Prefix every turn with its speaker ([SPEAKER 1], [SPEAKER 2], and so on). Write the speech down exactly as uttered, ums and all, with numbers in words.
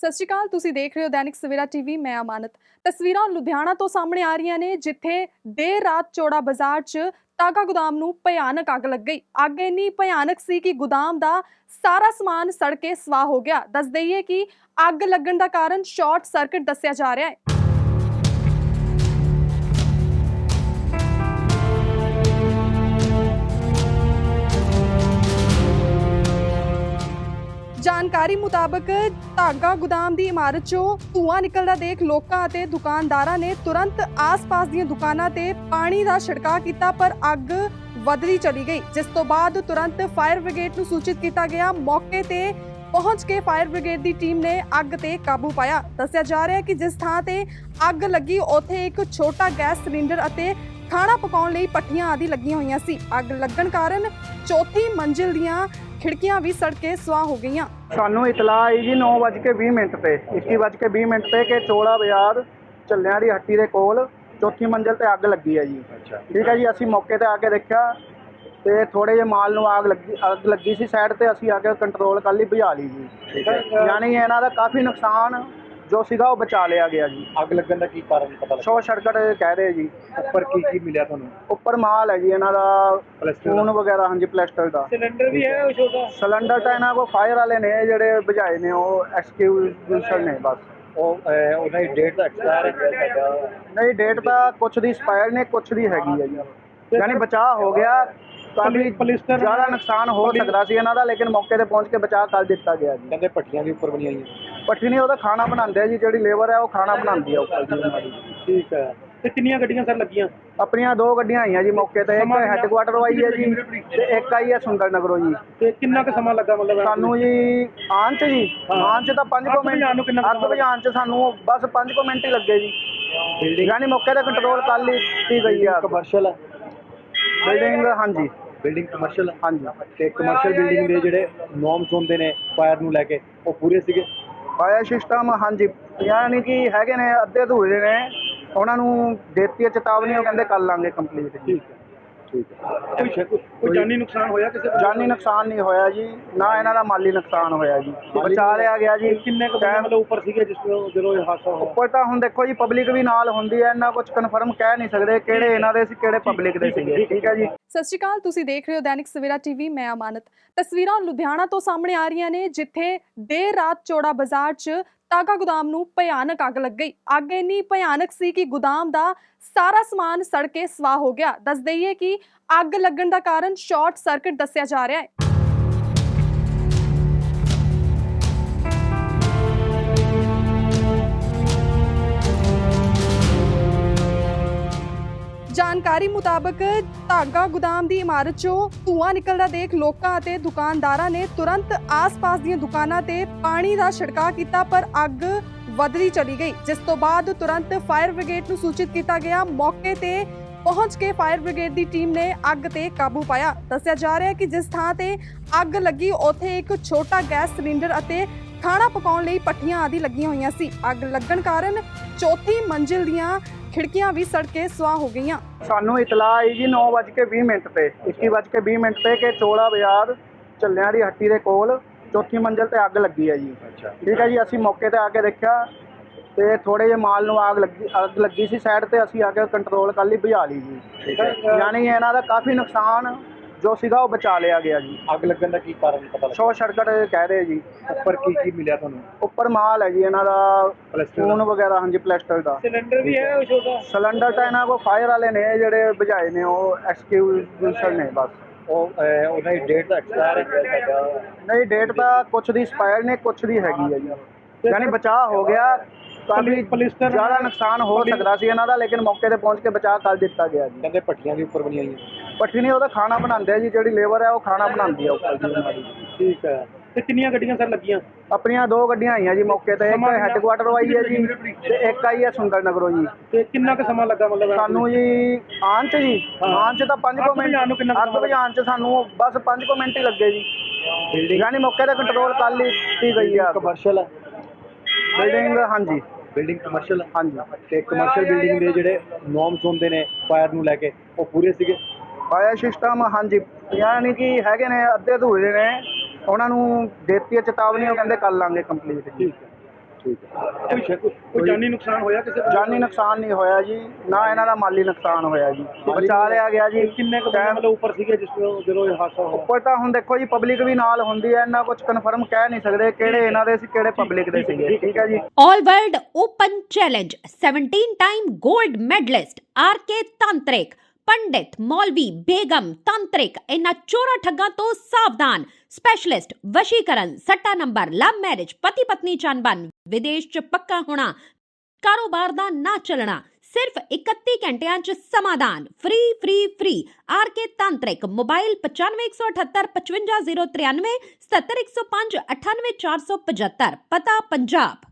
[SPEAKER 1] ਸਤਿ ਸ਼੍ਰੀ ਅਕਾਲ, ਤੁਸੀਂ ਦੇਖ ਰਹੇ ਹੋ ਦੈਨਿਕ ਸਵੇਰਾ ਟੀਵੀ। ਮੈਂ ਅਮਾਨਤ। ਤਸਵੀਰਾਂ ਲੁਧਿਆਣਾ ਤੋਂ ਸਾਹਮਣੇ ਆ ਰਹੀਆਂ ਨੇ, ਜਿੱਥੇ ਦੇਰ ਰਾਤ ਚੌੜਾ ਬਾਜ਼ਾਰ 'ਚ ਤਾਗਾ ਗੋਦਾਮ ਨੂੰ ਭਿਆਨਕ ਅੱਗ ਲੱਗ ਗਈ। ਅੱਗ ਇੰਨੀ ਭਿਆਨਕ ਸੀ ਕਿ ਗੋਦਾਮ ਦਾ ਸਾਰਾ ਸਮਾਨ ਸੜ ਕੇ ਸਵਾਹ ਹੋ ਗਿਆ। ਦੱਸ ਦਈਏ ਕਿ ਅੱਗ ਲੱਗਣ ਦਾ ਕਾਰਨ ਸ਼ਾਰਟ ਸਰਕਟ ਦੱਸਿਆ ਜਾ ਰਿਹਾ ਹੈ। ਜਾਣਕਾਰੀ ਮੁਤਾਬਕ ਧਾਗਾ ਗੋਦਾਮ ਦੀ ਇਮਾਰਤ 'ਚੋਂ ਧੂਆਂ ਨਿਕਲਦਾ ਦੇਖ ਲੋਕਾਂ ਅਤੇ ਦੁਕਾਨਦਾਰਾਂ ਨੇ ਤੁਰੰਤ ਆਸ-ਪਾਸ ਦੀਆਂ ਦੁਕਾਨਾਂ ਤੇ ਪਾਣੀ ਦਾ ਛਿੜਕਾਅ ਕੀਤਾ, ਪਰ ਅੱਗ ਵਧਦੀ ਚਲੀ ਗਈ, ਜਿਸ ਤੋਂ ਬਾਅਦ ਤੁਰੰਤ ਫਾਇਰ ਬ੍ਰਿਗੇਡ ਨੂੰ ਸੂਚਿਤ ਕੀਤਾ ਗਿਆ। ਮੌਕੇ ਤੇ ਪਹੁੰਚ ਕੇ ਫਾਇਰ ਬ੍ਰਿਗੇਡ ਦੀ ਟੀਮ ਨੇ ਅੱਗ ਤੇ ਕਾਬੂ ਪਾਇਆ। ਦੱਸਿਆ ਜਾ ਰਿਹਾ ਹੈ ਕਿ ਜਿਸ ਥਾਂ ਤੇ ਅੱਗ ਲੱਗੀ ਉੱਥੇ ਇੱਕ ਛੋਟਾ ਗੈਸ ਸਿਲੰਡਰ ਅਤੇ ਖਾਣਾ ਪਕਾਉਣ ਲਈ ਭੱਠੀਆਂ ਆਦਿ ਲੱਗੀਆਂ ਹੋਈਆਂ ਸੀ। ਅੱਗ ਲੱਗਣ ਕਾਰਨ ਚੌਥੀ ਮੰਜ਼ਿਲ ਦੀਆਂ ਖਿੜਕੀਆਂ ਵੀ ਸੜ ਕੇ ਸਵਾਹ ਹੋ ਗਈਆਂ।
[SPEAKER 2] ਸਾਨੂੰ ਇਤਲਾਹ ਆਈ ਜੀ ਨੌ ਵੱਜ ਕੇ ਵੀਹ ਮਿੰਟ ਤੇ ਇੱਕੀ ਵੱਜ ਕੇ ਵੀਹ ਮਿੰਟ ਤੇ ਕਿ ਚੋਲਾ ਬਾਜ਼ਾਰ ਝੱਲਿਆਂ ਦੀ ਹੱਟੀ ਦੇ ਕੋਲ ਚੌਥੀ ਮੰਜ਼ਿਲ ਤੇ ਅੱਗ ਲੱਗੀ ਹੈ ਜੀ। ਠੀਕ ਹੈ ਜੀ, ਅਸੀਂ ਮੌਕੇ ਤੇ ਆ ਕੇ ਦੇਖਿਆ ਤੇ ਥੋੜੇ ਜਿਹੇ ਮਾਲ ਨੂੰ ਅੱਗ ਲੱਗੀ ਅੱਗ ਲੱਗੀ ਸੀ ਸਾਈਡ ਤੇ, ਅਸੀਂ ਆ ਕੇ ਕੰਟਰੋਲ ਕਰ ਲਈ, ਬੁਝਾ ਲਈ ਜੀ। ਠੀਕ ਹੈ, ਯਾਨੀ ਇਹਨਾਂ ਦਾ ਕਾਫੀ ਨੁਕਸਾਨ ਜੋ ਸੀਗਾ ਉਹ ਬਚਾ ਲਿਆ ਗਿਆ ਜੀ।
[SPEAKER 3] ਅੱਗ ਲੱਗਣ ਦਾ ਕੀ ਕਾਰਨ ਪਤਾ ਲੱਗਾ?
[SPEAKER 2] ਸ਼ੋਰਟ ਸਰਕਟ ਕਹਿ ਰਹੇ ਜੀ।
[SPEAKER 3] ਉੱਪਰ ਕੀ ਕੀ ਮਿਲਿਆ ਤੁਹਾਨੂੰ?
[SPEAKER 2] ਉੱਪਰ ਮਾਲ ਹੈ ਜੀ ਇਹਨਾਂ ਦਾ, ਖੂਨ ਵਗੈਰਾ। ਹਾਂਜੀ, ਪਲੈਸਟਰ ਦਾ
[SPEAKER 3] ਸਿਲੰਡਰ ਵੀ ਹੈ ਉਹ ਛੋਟਾ?
[SPEAKER 2] ਸਿਲੰਡਰ ਤਾਂ ਇਹਨਾਂ ਕੋਲ ਫਾਇਰ ਵਾਲੇ ਨੇ ਜਿਹੜੇ ਬੁਝਾਏ ਨੇ, ਉਹ ਐਕਸਕਿਊਜ਼ਰ ਨੇ ਬਸ।
[SPEAKER 3] ਉਹ ਉਹਨਾਂ ਦੀ ਡੇਟ ਦਾ ਐਕਸਪਾਇਰ ਹੈ?
[SPEAKER 2] ਨਹੀਂ, ਡੇਟ ਤਾਂ ਕੁਛ ਦੀ ਐਕਸਪਾਇਰ ਨੇ, ਕੁਛ ਦੀ ਹੈਗੀ ਹੈ ਜੀ। ਯਾਨੀ ਬਚਾਅ ਹੋ ਗਿਆ। ਕਾਫੀ ਜ਼ਿਆਦਾ ਨੁਕਸਾਨ ਹੋ ਸਕਦਾ ਸੀ ਇਹਨਾਂ ਦਾ, ਲੇਕਿਨ ਮੌਕੇ ਤੇ ਪਹੁੰਚ ਕੇ ਬਚਾਅ ਕਰ ਦਿੱਤਾ ਗਿਆ ਜੀ।
[SPEAKER 3] ਕਹਿੰਦੇ ਭੱਠੀਆਂ ਵੀ ਉੱਪਰ ਬਣੀਆਂ ਹੋਈਆਂ?
[SPEAKER 2] ਭੱਠੀ ਨਹੀਂ, ਉਹਦਾ ਖਾਣਾ ਬਣਾਉਂਦੇ ਆ ਜੀ, ਜਿਹੜੀ ਲੇਬਰ ਹੈ ਉਹ ਖਾਣਾ ਬਣਾਉਂਦੀ ਆ ਉੱਪਰ ਜੀ ਉਹਨਾਂ ਦੀ।
[SPEAKER 3] ਠੀਕ ਹੈ। ਤੇ ਕਿੰਨੀਆਂ ਗੱਡੀਆਂ ਸਰ ਲੱਗੀਆਂ?
[SPEAKER 2] ਆਪਣੀਆਂ ਦੋ ਗੱਡੀਆਂ ਆਈਆਂ ਜੀ ਮੌਕੇ ਤੇ, ਇੱਕ ਹੈੱਡਕੁਆਟਰ ਆਈ ਹੈ ਜੀ ਤੇ ਇੱਕ ਆਈ ਹੈ ਸੁੰਦਰ ਨਗਰੋਂ ਜੀ।
[SPEAKER 3] ਤੇ ਕਿੰਨਾ ਕੁ ਸਮਾਂ ਲੱਗਾ ਮਤਲਬ
[SPEAKER 2] ਸਾਨੂੰ ਜੀ ਆਉਣ 'ਚ ਜੀ? ਆਉਣ 'ਚ ਤਾਂ ਪੰਜ ਕੁ ਮਿੰਟ, ਅੱਗ ਬੁਝਾਉਣ 'ਚ ਸਾਨੂੰ ਬਸ ਪੰਜ ਕੁ ਮਿੰਟ ਹੀ ਲੱਗੇ ਜੀ। ਯਾਨੀ ਮੌਕੇ ਤੇ ਕੰਟਰੋਲ ਕਰ ਲਈ ਗਈ ਆ।
[SPEAKER 3] ਕਮਰਸ਼ੀਅਲ ਹੈ
[SPEAKER 2] ਬਿਲਡਿੰਗ? ਹਾਂਜੀ,
[SPEAKER 3] ਬਿਲਡਿੰਗ ਕਮਰਸ਼ੀਅਲ।
[SPEAKER 2] ਹਾਂਜੀ।
[SPEAKER 3] ਤੇ ਕਮਰਸ਼ੀਅਲ ਬਿਲਡਿੰਗ ਦੇ ਜਿਹੜੇ ਨੋਰਮਸ ਹੁੰਦੇ ਨੇ ਫਾਇਰ ਨੂੰ ਲੈ ਕੇ, ਉਹ ਪੂਰੇ ਸੀਗੇ?
[SPEAKER 2] ਫਾਇਰ ਸਿਸਟਮ ਹਾਂਜੀ, ਯਾਨੀ ਕਿ ਹੈਗੇ ਨੇ, ਅੱਧੇ ਅਧੂਰੇ ਨੇ। ਉਹਨਾਂ ਨੂੰ ਦੇਤੀ ਚੇਤਾਵਨੀ, ਉਹ ਕਹਿੰਦੇ ਕਰ ਲਾਂਗੇ ਕੰਪਲੀਟ।
[SPEAKER 3] ਠੀਕ ਹੈ, ਠੀਕ ਹੈ। ਕੋਈ ਜਾਨੀ ਨੁਕਸਾਨ ਹੋਇਆ ਕਿਸੇ ਦਾ?
[SPEAKER 2] ਜਾਨੀ ਨੁਕਸਾਨ ਨਹੀਂ ਹੋਇਆ ਜੀ, ਨਾ ਇਹਨਾਂ ਦਾ ਮਾਲੀ ਨੁਕਸਾਨ ਹੋਇਆ ਜੀ, ਬਚਾ ਲਿਆ ਗਿਆ ਜੀ।
[SPEAKER 3] ਕਿੰਨੇ ਕੁ ਮਤਲਬ ਉੱਪਰ ਸੀਗੇ ਜਿਸ ਜਦੋਂ ਇਹ ਹਾਦਸਾ ਹੋਇਆ?
[SPEAKER 2] ਉੱਪਰ ਤਾਂ ਹੁਣ ਦੇਖੋ ਜੀ, ਪਬਲਿਕ ਵੀ ਨਾਲ ਹੁੰਦੀ ਹੈ, ਇਹਨਾਂ ਕੁਝ ਕਨਫਰਮ ਕਹਿ ਨਹੀਂ ਸਕਦੇ ਕਿਹੜੇ ਇਹਨਾਂ ਦੇ ਸੀ, ਕਿਹੜੇ ਪਬਲਿਕ ਦੇ ਸੀਗੇ। ਠੀਕ ਹੈ ਜੀ।
[SPEAKER 1] ਸਤਿ ਸ਼੍ਰੀ ਅਕਾਲ, ਤੁਸੀਂ ਦੇਖ ਰਹੇ ਹੋ ਦੈਨਿਕ ਸਵੇਰਾ ਟੀਵੀ। ਮੈਂ ਅਮਾਨਤ। ਤਸਵੀਰਾਂ ਲੁਧਿਆਣਾ ਤੋਂ ਸਾਹਮਣੇ ਆ ਰਹੀਆਂ ਨੇ, ਜਿੱਥੇ ਦੇਰ ਰਾਤ ਚੌੜਾ ਬਾਜ਼ਾਰ 'ਚ ਤਾਗਾ ਗੋਦਾਮ ਨੂੰ ਭਿਆਨਕ ਅੱਗ ਲੱਗ ਗਈ। ਅੱਗ ਇੰਨੀ ਭਿਆਨਕ ਸੀ ਕਿ ਗੋਦਾਮ ਦਾ ਸਾਰਾ ਸਮਾਨ ਸੜ ਕੇ ਸਵਾਹ ਹੋ ਗਿਆ। ਦੱਸ ਦਈਏ ਕਿ ਅੱਗ ਲੱਗਣ ਦਾ ਕਾਰਨ ਸ਼ਾਰਟ ਸਰਕਟ ਦੱਸਿਆ ਜਾ ਰਿਹਾ ਹੈ। ਜਾਣਕਾਰੀ ਮੁਤਾਬਕ ਧਾਗਾ ਗੋਦਾਮ ਦੀ ਇਮਾਰਤ 'ਚੋਂ ਧੂਆਂ ਨਿਕਲਦਾ ਦੇਖ ਲੋਕਾਂ ਅਤੇ ਦੁਕਾਨਦਾਰਾਂ ਨੇ ਤੁਰੰਤ ਆਸ-ਪਾਸ ਦੀਆਂ ਦੁਕਾਨਾਂ ਤੇ ਪਾਣੀ ਦਾ ਛਿੜਕਾਅ ਕੀਤਾ, ਪਰ ਅੱਗ ਵਧਦੀ ਚਲੀ ਗਈ, ਜਿਸ ਤੋਂ ਬਾਅਦ ਤੁਰੰਤ ਫਾਇਰ ਬ੍ਰਿਗੇਡ ਨੂੰ ਸੂਚਿਤ ਕੀਤਾ ਗਿਆ। ਮੌਕੇ ਤੇ ਪਹੁੰਚ ਕੇ ਫਾਇਰ ਬ੍ਰਿਗੇਡ ਦੀ ਟੀਮ ਨੇ ਅੱਗ ਤੇ ਕਾਬੂ ਪਾਇਆ। ਦੱਸਿਆ ਜਾ ਰਿਹਾ ਹੈ ਕਿ ਜਿਸ ਥਾਂ ਤੇ ਅੱਗ ਲੱਗੀ ਉੱਥੇ ਇੱਕ ਛੋਟਾ ਗੈਸ ਸਿਲੰਡਰ ਅਤੇ ਖਾਣਾ ਪਕਾਉਣ ਲਈ ਭੱਠੀਆਂ ਆਦਿ ਲੱਗੀਆਂ ਹੋਈਆਂ ਸੀ। ਅੱਗ ਲੱਗਣ ਕਾਰਨ ਚੌਥੀ ਮੰਜ਼ਿਲ ਦੀਆਂ ਖਿੜਕੀਆਂ ਵੀ ਸੜ ਕੇ ਸਵਾਹ ਹੋ ਗਈਆਂ।
[SPEAKER 2] ਸਾਨੂੰ ਇਤਲਾਹ ਆਈ ਜੀ ਨੌ ਵੱਜ ਕੇ ਵੀਹ ਮਿੰਟ ਤੇ ਇੱਕੀ ਵੱਜ ਕੇ ਵੀਹ ਮਿੰਟ ਤੇ ਕਿ ਚੋਲਾ ਬਾਜ਼ਾਰ ਝੱਲਿਆਂ ਦੀ ਹੱਟੀ ਦੇ ਕੋਲ ਚੌਥੀ ਮੰਜ਼ਿਲ ਤੇ ਅੱਗ ਲੱਗੀ ਹੈ ਜੀ। ਠੀਕ ਹੈ ਜੀ, ਅਸੀਂ ਮੌਕੇ ਤੇ ਆ ਕੇ ਦੇਖਿਆ ਤੇ ਥੋੜੇ ਜਿਹੇ ਮਾਲ ਨੂੰ ਅੱਗ ਲੱਗੀ ਅੱਗ ਲੱਗੀ ਸੀ ਸਾਈਡ ਤੇ, ਅਸੀਂ ਆ ਕੇ ਕੰਟਰੋਲ ਕਰ ਲਈ, ਬੁਝਾ ਲਈ ਜੀ। ਠੀਕ ਹੈ, ਯਾਨੀ ਇਹਨਾਂ ਦਾ ਕਾਫੀ ਨੁਕਸਾਨ ਜੋ ਸੀਗਾ ਉਹ ਬਚਾ ਲਿਆ ਗਿਆ ਜੀ।
[SPEAKER 3] ਅੱਗ ਲੱਗਣ ਦਾ ਕੀ ਕਾਰਨ ਪਤਾ ਲੱਗਾ?
[SPEAKER 2] ਸ਼ੋਰਟ ਸਰਕਟ ਕਹਿ ਰਹੇ ਜੀ।
[SPEAKER 3] ਉੱਪਰ ਕੀ ਕੀ ਮਿਲਿਆ ਤੁਹਾਨੂੰ?
[SPEAKER 2] ਉੱਪਰ ਮਾਲ ਹੈ ਜੀ ਇਹਨਾਂ ਦਾ, ਖੂਨ ਵਗੈਰਾ। ਹਾਂਜੀ, ਪਲੈਸਟਰ ਦਾ।
[SPEAKER 3] ਸਿਲੰਡਰ ਵੀ ਹੈ ਉਹ ਛੋਟਾ?
[SPEAKER 2] ਸਿਲੰਡਰ ਤਾਂ ਇਹਨਾਂ ਕੋਲ ਫਾਇਰ ਵਾਲੇ ਨੇ ਜਿਹੜੇ ਬੁਝਾਏ ਨੇ, ਉਹ ਐਕਸਕਿਊਜ਼ਰ ਨੇ ਬਸ।
[SPEAKER 3] ਉਹ ਉਹਨਾਂ ਦੀ ਡੇਟ ਦਾ ਐਕਸਪਾਇਰ ਹੈ?
[SPEAKER 2] ਨਹੀਂ, ਡੇਟ ਤਾਂ ਕੁਛ ਦੀ ਐਕਸਪਾਇਰ ਨੇ, ਕੁਛ ਦੀ ਹੈਗੀ ਹੈ ਜੀ। ਯਾਨੀ ਬਚਾਅ ਹੋ ਗਿਆ। ਕਾਫੀ ਜ਼ਿਆਦਾ ਨੁਕਸਾਨ ਹੋ ਸਕਦਾ ਸੀ ਇਹਨਾਂ ਦਾ, ਲੇਕਿਨ ਮੌਕੇ ਤੇ ਪਹੁੰਚ ਕੇ ਬਚਾਅ ਕਰ ਦਿੱਤਾ ਗਿਆ ਜੀ।
[SPEAKER 3] ਕਹਿੰਦੇ ਭੱਠੀਆਂ ਵੀ ਉੱਪਰ ਬਣੀਆਂ ਹੋਈਆਂ?
[SPEAKER 2] ਭੱਠੀ ਨਹੀਂ, ਉਹਦਾ ਖਾਣਾ ਬਣਾਉਂਦੇ ਆ ਜੀ, ਜਿਹੜੀ ਲੇਬਰ ਹੈ ਉਹ ਖਾਣਾ ਬਣਾਉਂਦੀ ਆ ਉੱਪਰ ਜੀ ਉਹਨਾਂ ਦੀ।
[SPEAKER 3] ਠੀਕ ਹੈ। ਤੇ ਕਿੰਨੀਆਂ ਗੱਡੀਆਂ ਸਰ ਲੱਗੀਆਂ?
[SPEAKER 2] ਆਪਣੀਆਂ ਦੋ ਗੱਡੀਆਂ ਆਈਆਂ ਜੀ ਮੌਕੇ ਤੇ, ਇੱਕ ਹੈੱਡਕੁਆਟਰ ਆਈ ਹੈ ਜੀ ਤੇ ਇੱਕ ਆਈ ਹੈ ਸੁੰਦਰ ਨਗਰੋਂ ਜੀ।
[SPEAKER 3] ਤੇ ਕਿੰਨਾ ਕੁ ਸਮਾਂ ਲੱਗਾ ਮਤਲਬ
[SPEAKER 2] ਸਾਨੂੰ ਜੀ ਆਉਣ 'ਚ ਜੀ? ਆਉਣ 'ਚ ਤਾਂ ਪੰਜ ਕੁ ਮਿੰਟ, ਅੱਗ ਬੁਝਾਉਣ 'ਚ ਸਾਨੂੰ ਬਸ ਪੰਜ ਕੁ ਮਿੰਟ ਹੀ ਲੱਗੇ ਜੀ। ਯਾਨੀ ਮੌਕੇ ਤੇ ਕੰਟਰੋਲ ਕਰ ਲਈ ਗਈ ਆ।
[SPEAKER 3] ਕਮਰਸ਼ੀਅਲ ਹੈ
[SPEAKER 2] ਬਿਲਡਿੰਗ? ਹਾਂਜੀ,
[SPEAKER 3] ਬਿਲਡਿੰਗ ਕਮਰਸ਼ੀਅਲ।
[SPEAKER 2] ਹਾਂਜੀ।
[SPEAKER 3] ਤੇ ਕਮਰਸ਼ੀਅਲ ਬਿਲਡਿੰਗ ਦੇ ਜਿਹੜੇ ਨੋਰਮਸ ਹੁੰਦੇ ਨੇ ਫਾਇਰ ਨੂੰ ਲੈ ਕੇ, ਉਹ ਪੂਰੇ ਸੀਗੇ?
[SPEAKER 2] ਫਾਇਰ ਸਿਸਟਮ ਹਾਂਜੀ, ਯਾਨੀ ਕਿ ਹੈਗੇ ਨੇ, ਅੱਧੇ ਅਧੂਰੇ ਨੇ। ਉਹਨਾਂ ਨੂੰ ਦੇਤੀ ਚੇਤਾਵਨੀ, ਉਹ ਕਹਿੰਦੇ ਕਰ ਲਾਂਗੇ ਕੰਪਲੀਟ।
[SPEAKER 3] ਠੀਕ ਹੈ, ਠੀਕ ਹੈ। ਅੱਛਾ, ਕੋਈ ਕੋਈ ਜਾਨੀ ਨੁਕਸਾਨ ਹੋਇਆ ਕਿਸੇ ਦਾ?
[SPEAKER 2] ਜਾਨੀ ਨੁਕਸਾਨ ਨਹੀਂ ਹੋਇਆ ਜੀ, ਨਾ ਇਹਨਾਂ ਦਾ ਮਾਲੀ ਨੁਕਸਾਨ ਹੋਇਆ ਜੀ, ਬਚਾ ਲਿਆ ਗਿਆ ਜੀ।
[SPEAKER 3] ਕਿੰਨੇ ਕੁ ਬੰਦੇ ਮਤਲਬ ਉੱਪਰ ਸੀਗੇ ਜਿਸ ਤੋਂ ਜਦੋਂ ਇਹ ਹਾਦਸਾ ਹੋਇਆ?
[SPEAKER 2] ਉੱਪਰ ਤਾਂ ਹੁਣ ਦੇਖੋ ਜੀ ਪਬਲਿਕ ਵੀ ਨਾਲ ਹੁੰਦੀ ਹੈ, ਇਹਨਾਂ ਕੁਝ ਕਨਫਰਮ ਕਹਿ ਨਹੀਂ ਸਕਦੇ ਕਿਹੜੇ ਇਹਨਾਂ ਦੇ ਸੀ ਕਿਹੜੇ ਪਬਲਿਕ ਦੇ ਸੀਗੇ। ਠੀਕ ਹੈ ਜੀ।
[SPEAKER 4] All World Open Challenge seventeen time gold medalist R K Tantrik ਪੰਡਿਤ ਮੌਲਵੀ ਬੇਗਮ ਤਾਂਤਰਿਕ ਇਹਨਾਂ ਚੋਰਾਂ ਠੱਗਾਂ ਤੋਂ ਸਾਵਧਾਨ। ਸਪੈਸ਼ਲਿਸਟ ਵਸ਼ੀਕਰਨ, ਸੱਟਾ ਨੰਬਰ, ਲਵ ਮੈਰਿਜ, ਪਤੀ ਪਤਨੀ ਚੰਬਨ, ਵਿਦੇਸ਼ ਚ ਪੱਕਾ ਹੋਣਾ, ਕਾਰੋਬਾਰ ਦਾ ਨਾ ਚੱਲਣਾ, ਸਿਰਫ ਇਕੱਤੀ ਘੰਟਿਆਂ ਚ ਸਮਾਧਾਨ। Free free free R K ਤਾਂਤਰਿਕ। ਮੋਬਾਈਲ ਪਚਾਨਵੇਂ ਇੱਕ ਸੌ ਅਠੱਤਰ ਪਚਵੰਜਾ ਜ਼ੀਰੋ ਤਰਿਆਨਵੇਂ, ਸਤੱਤਰ ਇੱਕ ਸੌ ਪੰਜ ਅਠਾਨਵੇਂ ਚਾਰ ਸੌ ਪਝੱਤਰ। ਪਤਾ ਪੰਜਾਬ।